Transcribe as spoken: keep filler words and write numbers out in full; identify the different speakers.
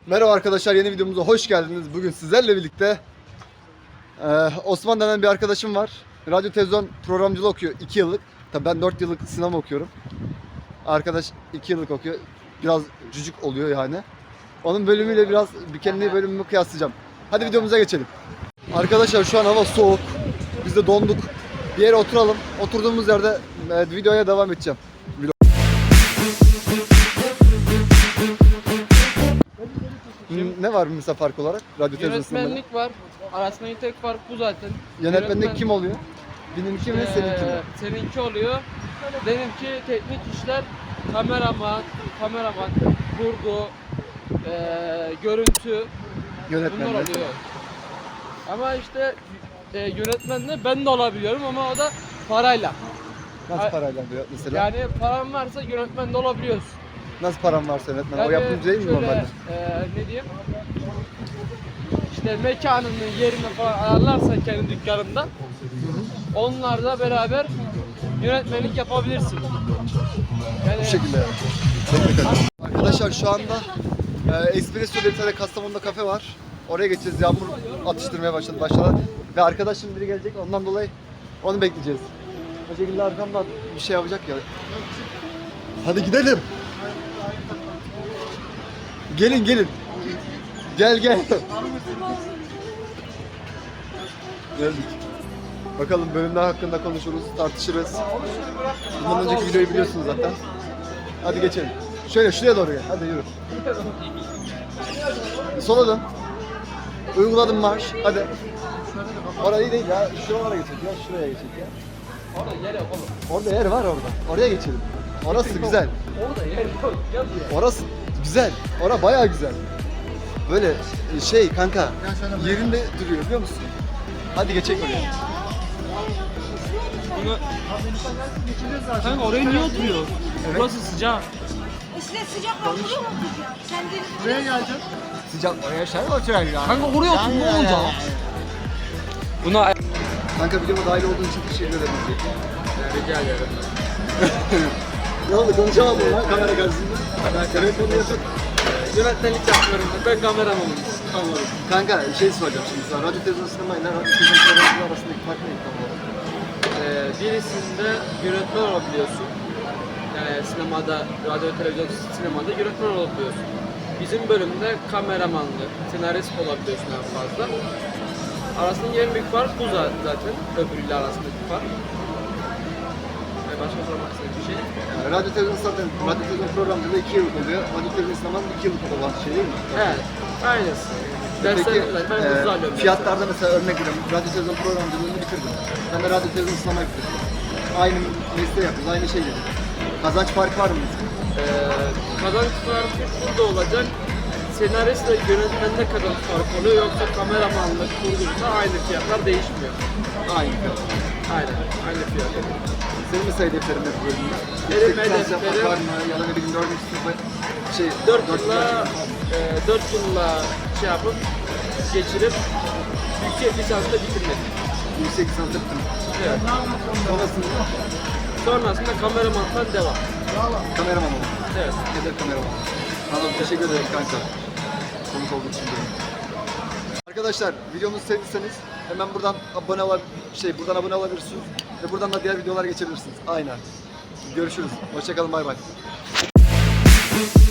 Speaker 1: Merhaba arkadaşlar, yeni videomuza hoş geldiniz. Bugün sizlerle birlikte e, Osman denen bir arkadaşım var. Radyo televizyon programcılığı okuyor iki yıllık. Tabii ben dört yıllık sinema okuyorum. Arkadaş iki yıllık okuyor. Biraz cücük oluyor yani. Onun bölümüyle biraz bir kendi bölümümü kıyaslayacağım. Hadi videomuza geçelim. Arkadaşlar şu an hava soğuk. Biz de donduk. Bir yere oturalım. Oturduğumuz yerde e, videoya devam edeceğim. Ne var mesela fark olarak? Radyo televizyon sinemada?
Speaker 2: Yönetmenlik var. Arasındaki tek fark bu zaten.
Speaker 1: Yönetmenlik
Speaker 2: Yönetmen-
Speaker 1: kim oluyor? Benimki mi,
Speaker 2: Ee,
Speaker 1: seninki mi?
Speaker 2: Seninki oluyor. Benimki teknik işler, kameraman, kameraman, kurgu, ee, görüntü, bunlar
Speaker 1: Yönetmenlik.
Speaker 2: oluyor. Ama işte e, yönetmenle ben de olabiliyorum ama o da parayla.
Speaker 1: Nasıl
Speaker 2: Ay-
Speaker 1: parayla diyor mesela?
Speaker 2: Yani paran varsa yönetmen de olabiliyorsun.
Speaker 1: Nasıl param varsa yönetmen? O
Speaker 2: Yani
Speaker 1: yapımcı değil mi
Speaker 2: şöyle,
Speaker 1: normalde?
Speaker 2: e, ne diyeyim? İşte mekanını, yerini falan ayarlarsan kendi dükkanında, onlarla beraber yönetmenlik yapabilirsin. Yani
Speaker 1: Bu şekilde yani. Teknik açı. Arkadaşlar şu anda e, Espresso diye bir tane Kastamonu'da kafe var. Oraya geçeceğiz. Yağmur atıştırmaya başladı başladı. Ve arkadaşım biri gelecek. Ondan dolayı onu bekleyeceğiz. O şekilde arkamdan bir şey yapacak ya. Hadi gidelim. Gelin gelin. Gel gel. Geldik. Bakalım bölümler hakkında konuşuruz, tartışırız. Bundan önceki videoyu biliyorsunuz zaten. Hadi geçelim. Şöyle şuraya doğru gel. Hadi yürü. Sola dön. Uyguladım marş. Hadi. Orayı değil ya. Şuralara geçelim ya. Şuraya geçelim ya.
Speaker 2: orada yer yok oğlum.
Speaker 1: Orada yer var orada. Oraya geçelim. Orası güzel.
Speaker 2: Orada yer yok. Gel buraya.
Speaker 1: Orası güzel. Ora bayağı güzel. Böyle şey kanka yerinde duruyor biliyor musun? Hadi geçelim oraya.
Speaker 2: Bunu... Kanka oraya niye oturuyor? Burası sıcak.
Speaker 3: İşte sıcak var, buraya mı oturacağım? Sen de
Speaker 1: Buraya geleceksin. Sıcak oraya şey mi oturuyor ya?
Speaker 2: Kanka oraya otur, ne olacak? Buna...
Speaker 1: Kanka videoma dahil olduğun için teşekkür ederim.
Speaker 2: Rica ederim.
Speaker 1: Ne oldu konuşamadım lan kamera karşısında. Evet onu yapın.
Speaker 2: Yönetmenlik yapmıyorum ben, ben kameramanım.
Speaker 1: Anladım. Kanka şey soracağım şimdi sana. Radyo televizyon sinema ile radyo televizyon programı arasındaki fark ne tam olarak?
Speaker 2: Ee, birisinde yönetmen olabiliyorsun. Yani sinemada, radyo, televizyon, sinemada yönetmen olabiliyorsun. Bizim bölümde kameramanlık, senarist olabiliyorsun en fazla. Arasındaki en büyük fark bu zaten, öbürüyle arasındaki fark. Ee, başka sormak istediğim bir şey.
Speaker 1: Yani radyo televizyon zaten radyo televizyon programında iki yıllık oluyor. Radyo televizyon sinemanın iki yıllık olan şey değil mi?
Speaker 2: Evet, aynısı.
Speaker 1: Peki
Speaker 2: Dersler, ben hızlı
Speaker 1: e,
Speaker 2: alıyorum.
Speaker 1: fiyatlarda mesela örnek veriyorum. Radyo televizyon programcılığını bitirdim. Ben de radyo televizyon sinemayı bitirdim. Aynı mesleği yapıyoruz, aynı şey yapıyoruz. Kazanç farkı var mı mesela?
Speaker 2: Ee, kazanç farkı şurada olacak. Senarist ve yönetmende kazanç farkı oluyor, yoksa kameramanlık, kurguysa aynı fiyatlar değişmiyor.
Speaker 1: Aynı fiyat.
Speaker 2: Aynen, aynı fiyat.
Speaker 1: Senin mesela hedeflerin ne bu bölümde?
Speaker 2: Benim
Speaker 1: Yüksek lisans yapmak
Speaker 2: hedeflerim-
Speaker 1: var mı? Ya da ne bileyim dördüncü sınıfa şey...
Speaker 2: dört
Speaker 1: dört
Speaker 2: yılla,
Speaker 1: yıl-
Speaker 2: e, dört yılla şey yapıp, geçirip, yüksek lisansla bitirmek.
Speaker 1: Yüksek lisans yaptım.
Speaker 2: Evet.
Speaker 1: Sonrasında
Speaker 2: Sonrasında kameramandan devam.
Speaker 1: kameraman oldum.
Speaker 2: Evet.
Speaker 1: Hedef kameraman. Anladım, teşekkür ederim kanka. Konuk olduğu için diyorum. Arkadaşlar videomuzu sevdiyseniz hemen buradan abone ol şey buradan abone olabilirsiniz ve buradan da diğer videolara geçebilirsiniz. Aynen. Görüşürüz. Hoşça kalın. Bay bay.